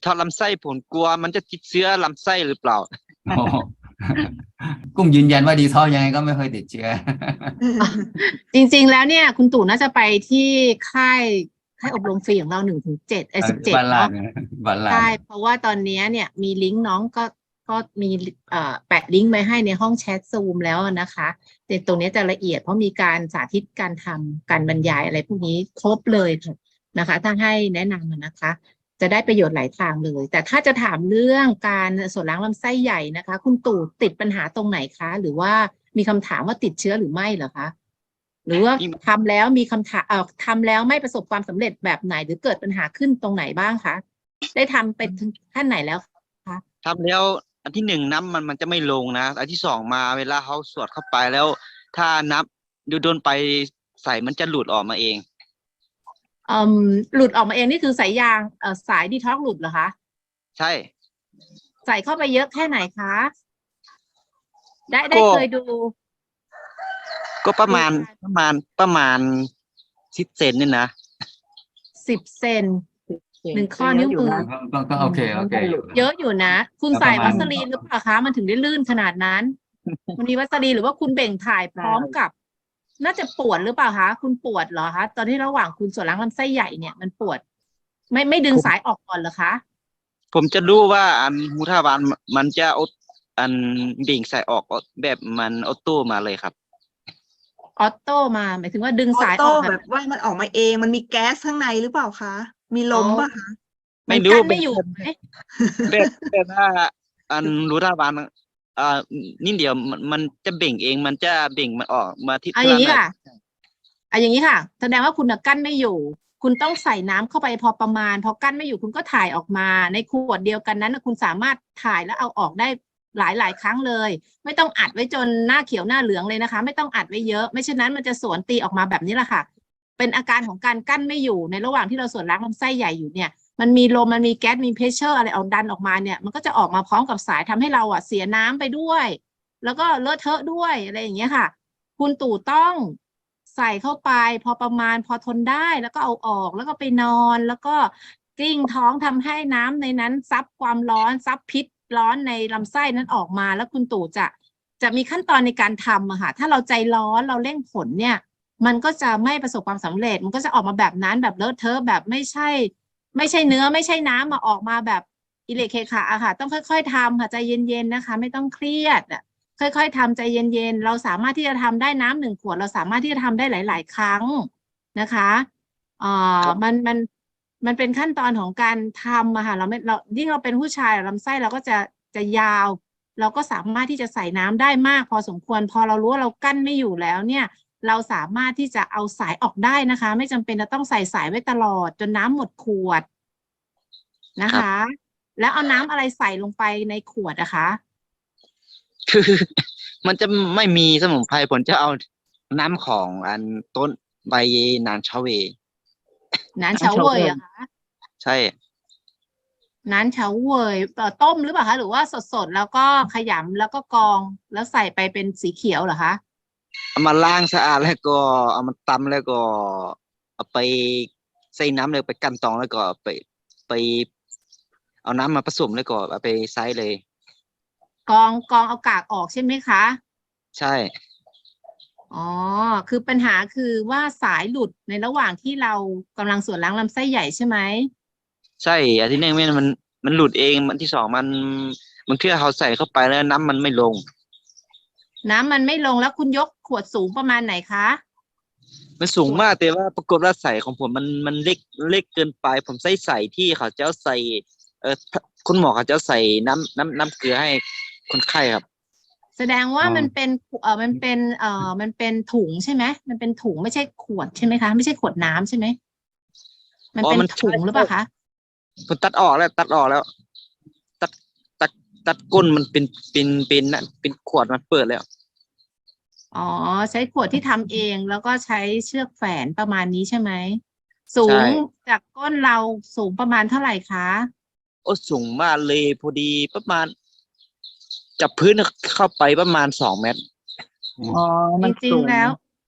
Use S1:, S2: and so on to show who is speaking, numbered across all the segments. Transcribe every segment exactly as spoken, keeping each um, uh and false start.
S1: ทอดลำไส้ผมกลัวมันจะติดเชื้อลำไส้หรือเปล่า
S2: โอ้กุ้งยืนยันว่าดีท็อกยังไงก็ไม่เคยติดเชื้อ
S3: จริงๆแล้วเนี่ยคุณตู่น่าจะไปที่ค่ายค่ายอบรมฟรีของเราหนึ่งถึงเจ็ดไอ้สิบเจ็ด
S2: บ้านลาด
S3: เนาะ
S2: นะบ้านลาด
S3: ใช่เพราะว่าตอนนี้เนี่ยมีลิงก์น้องก็ก็มีเอ่อแปะลิงก์ไว้ให้ในห้องแชทซูมแล้วนะคะแต่ตรงนี้จะละเอียดเพราะมีการสาธิตการทำการบรรยายอะไรพวกนี้ครบเลยนะคะ ถ้าให้แนะนำนะคะ จะได้ประโยชน์หลายทางเลย แต่ถ้าจะถามเรื่องการส่วนล้างลำไส้ใหญ่นะคะ คุณตู่ติดปัญหาตรงไหนคะ หรือว่ามีคำถามว่าติดเชื้อหรือไม่เหรอคะหรือว่าทำแล้วมีคำถามเอ่อทำแล้วไม่ประสบความสำเร็จแบบไหน หรือเกิดปัญหาขึ้นตรงไหนบ้างคะได้ทำไปถึงขั้นไหนแล้วคะ
S1: ทำแล้วอันที่หนึ่งน้ำมันมันจะไม่ลงนะอันที่สองมาเวลาเขาสวดเข้าไปแล้ว ถ้านับดูโดนไปใส่มันจะหลุดออกมาเอง
S3: อืมหลุดออกมาเองนี่คือสายยางเอ่อสายดีท็อกหลุดเหรอคะ
S1: ใช่
S3: ใส่เข้าไปเยอะแค่ไหนคะ ได้ได้
S1: ก็
S3: เคยดู
S1: ก็ประมาณ
S3: ดูการ
S1: ประมาณประมาณสิบเซนนี่นะ
S3: สิบเซนหนึ่งข้อนิ้วมือ
S2: ก็ก็ก็โอเคโอเคอยู่
S3: เยอะอยู่นะ คุณ
S2: แล้ว
S3: ใส่
S2: ประมา
S3: วั
S2: ณ
S3: สลีนหรือเปล่าคะ มันถึงได้ลื่นขนาดนั้น มันมีวัสลีนหรือว่าคุณเบ่งถ่ายพร้อมกับ น่าจะปวดหรือเปล่าคะ คุณปวดเหรอคะ ตอนที่ระหว่างคุณส่วนล้างลำไส้ใหญ่เนี่ยมันปวด ไม่ไม่ดึงสายออกก่อนเหรอคะ
S1: ผมจะรู้ว่าอันหูทวารมันจะเอาอันเบ่งใส่ออกแบบมันออโต้มาเลยครับ
S3: ออโต้มาหมายถึงว่าดึง
S4: ออ
S3: สายอ
S4: โต้
S3: อก
S4: แบบว่ามันออกมาเองมันมีแก๊สข้างในหรือเปล่าคะ มีลมป่ะคะ
S3: มั
S1: ไม่
S3: น
S1: รู้
S3: กั้น
S1: แบ
S3: ไม่
S1: บ
S3: อยู่ไหม
S1: แบบแบบว่าอันรู้ทวารอ่านิดเดียวมันมันจะเบ่งเอง มันจะเบ่งมันออกมาที่
S3: เอาอย่างนี้
S1: ข้
S3: ค่ะเอาอย่างนี้ค่ะ แสดงว่าคุณน่ะกั้นไม่อยู่ คุณต้องใส่น้ำเข้าไปพอประมาณ พอกั้นไม่อยู่คุณก็ถ่ายออกมา ในขวดเดียวกันนั้นน่ะคุณสามารถถ่ายแล้วเอาออกได้หลายหลายครั้งเลย ไม่ต้องอัดไว้จนหน้าเขียวหน้าเหลืองเลยนะคะ ไม่ต้องอัดไว้เยอะ ไม่เช่นนั้นมันจะสวนตีออกมาแบบนี้แหละค่ะ เป็นอาการของการกั้นไม่อยู่ในระหว่างที่เราส่วนล้างลำไส้ใหญ่อยู่เนี่ย มันมีลมมันมีแก๊สมีเพรสเชอร์อะไรเอาดันออกมาเนี่ยมันก็จะออกมาพร้อมกับสายทำให้เราอ่ะเสียน้ำไปด้วย แล้วก็เลอะเทอะด้วยอะไรอย่างเงี้ยค่ะ คุณตู่ต้องใส่เข้าไปพอประมาณพอทนได้แล้วก็เอาออกแล้วก็ไปนอนแล้วก็กลิ้งท้องทำให้น้ำในนั้นซับความร้อนซับพิษร้อนในลำไส้นั้นออกมาแล้วคุณตู่จะจะมีขั้นตอนในการทำอะค่ะถ้าเราใจร้อนเราเร่งผลเนี่ย มันก็จะไม่ประสบความสำเร็จมันก็จะออกมาแบบนั้นแบบเลอะเทอะแบบไม่ใช่ ไม่ใช่เนื้อไม่ใช่น้ำมาออกมาแบบอิเล็กเคขาอะค่ะ ต้องค่อยๆทำค่ะใจเย็นๆนะคะ ไม่ต้องเครียดอะค่อยๆทำใจเย็นๆเราสามารถที่จะทำได้น้ำหนึ่งขวดเราสามารถที่จะทำได้หลาย ๆ ครั้งนะคะเอ่อมันมันมันเป็นขั้นตอนของการทำอะค่ะเราไม่เรายิ่งเราเป็นผู้ชายลำไส้เราก็จะจะยาว เราก็สามารถที่จะใส่น้ำได้มากพอสมควรพอเรารู้ว่าเรากั้นไม่อยู่แล้วเนี่ย เราสามารถที่จะเอาสายออกได้นะคะ ไม่จำเป็นจะต้องใส่สายไว้ตลอดจนน้ำหมดขวดนะคะ แล้วเอาน้ำอะไรใส่ลงไปในขวดนะคะ
S1: คือ มันจะไม่มีสมุนไพรผมจะเอาน้ำของอันต้นใบนานชาเว
S3: น้ำเฉาเวยเหรอะคะ
S1: ใช่
S3: น้ำเฉาเวยเอ่อต้มหรือเปล่าคะหรือว่าสดๆแล้วก็ขยำแล้วก็กรองแล้วใส่ไปเป็นสีเขียวเหรอคะ
S1: เอามาล้างสะอาดแล้วก็เอามาตำแล้วก็เอาไปใส่น้ำเลยไปกันตองแล้วก็ไปไป เอาน้ำมาผสมแล้วก็เอาไปไซส์เลย
S3: กรองกรองเอากากออกใช่ไหมคะ
S1: ใช่
S3: อ๋อ คือปัญหาคือว่าสายหลุดในระหว่างที่เรากำลังส่วนล้างลำไส้ใหญ่ใช่ไหม
S1: ใช่อันที่หนึ่งมันมันมันหลุดเองอันที่สองมันมันเพื่อเขาใส่เข้าไปแล้วน้ำมันไม่ลง
S3: น้ำมันไม่ลงแล้วคุณยกขวดสูงประมาณไหนคะ
S1: มันสูงมากแต่ว่าปรากฏว่าใส่ของผมมันมันเล็กเล็กเกินไป ผมใส่ใส่ที่เขาจะเอาใส่เออคุณหมอเขาจะเอาใส่น้ำน้ำน้ำเกลือให้คนไข้ครับ
S3: แสดงว่า
S2: อ๋อ
S3: มันเป็นเอ่อมันเป็นเอ่อมันเป็นถุงใช่ไหมมันเป็นถุงไม่ใช่ขวดใช่ไหมคะไม่ใช่ขวดน้ำใช่ไหมมัน
S1: อ๋อ
S3: เป็น
S1: มัน
S3: ถุงหรือเปล่าคะ
S1: ผมตัดออกแล้วตัดออกแล้ว ตัดตัดตัดก้นมันเป็นเป็นเป็นนะเป็นขวดมันเปิดแล้ว
S3: อ๋อใช้ขวดที่ทำเองแล้วก็ใช้เชือกแฝนประมาณนี้ใช่ไหมสู
S1: ใช่
S3: งจากก้นเราสูงประมาณเท่าไหร่คะ
S1: โอ้สูงมากเลยพอดีประมาณจับพื้นเข้าไปประมาณสองเมตร
S3: จริงๆแล้ว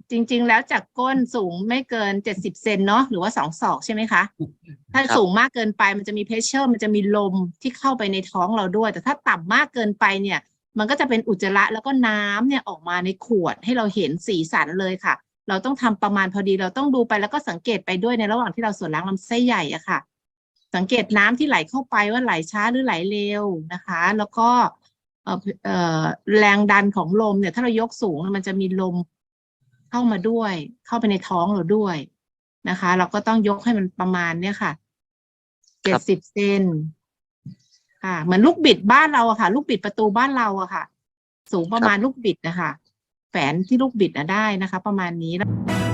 S3: จริง ๆ แล้วจากก้นสูงไม่เกินเจ็ดสิบเซนเนาะหรือว่าสองศอกใช่ไหมคะ ถ้า
S1: ครับ
S3: สูงมากเกินไปมันจะมีเพชเชอร์มันจะมีลมที่เข้าไปในท้องเราด้วย แต่ถ้าต่ำมากเกินไปเนี่ย มันก็จะเป็นอุจจาระแล้วก็น้ำเนี่ยออกมาในขวดให้เราเห็นสีสันเลยค่ะ เราต้องทำประมาณพอดีเราต้องดูไปแล้วก็สังเกตไปด้วยในระหว่างที่เราส่วนล้างลำไส้ใหญ่อะค่ะ สังเกตน้ำที่ไหลเข้าไปว่าไหลช้าหรือไหลเร็วนะคะ แล้วก็เอ่อเอ่อแรงดันของลมเนี่ยถ้าเรายกสูงมันจะมีลมเข้ามาด้วย เข้าไปในท้องเราด้วยนะคะ เราก็ต้องยกให้มันประมาณเนี่ยค่ะเจ็ดสิบเซนค่ะเหมือนลูกบิดบ้านเราอะค่ะ ลูกบิดประตูบ้านเราอะค่ะ สูงประมาณลูกบิดนะคะแฝนที่ลูกบิดนะได้นะคะ ประมาณนี้